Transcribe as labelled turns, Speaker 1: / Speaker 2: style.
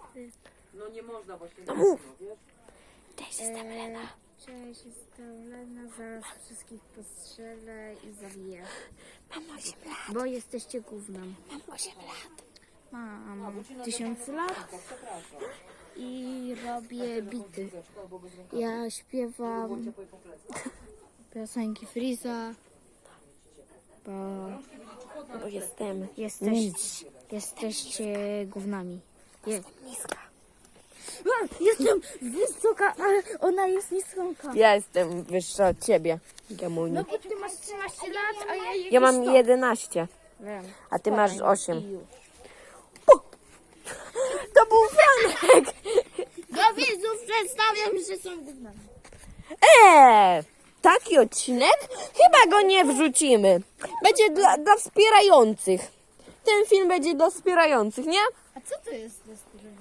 Speaker 1: No nie można właśnie.
Speaker 2: No mów.
Speaker 1: Wiesz?
Speaker 2: Cześć, jestem Lena.
Speaker 3: Cześć, jestem Lena, zaraz wszystkich postrzelę i zabiję.
Speaker 2: Mam 8 lat.
Speaker 3: Bo jesteście gównem.
Speaker 2: Mam 8 lat.
Speaker 3: Mam 1000 lat
Speaker 1: Przepraszam.
Speaker 3: i robię bity. Ja śpiewam piosenki Freeza, bo
Speaker 2: Jestem
Speaker 3: jesteście gównami.
Speaker 2: niska.
Speaker 3: Jestem wysoka, ale ona jest niska.
Speaker 2: Ja jestem wyższa od ciebie, Gamuni.
Speaker 3: No bo ty masz 13 lat, a ja
Speaker 2: Ja mam 11,
Speaker 3: Wiem.
Speaker 2: a ty masz 8.
Speaker 3: I już.
Speaker 2: To był Franek!
Speaker 3: Do widzów przedstawiam, że są gównami.
Speaker 2: Taki odcinek? Chyba go nie wrzucimy. Będzie dla wspierających. Ten film będzie dla wspierających, nie?
Speaker 3: A co to jest?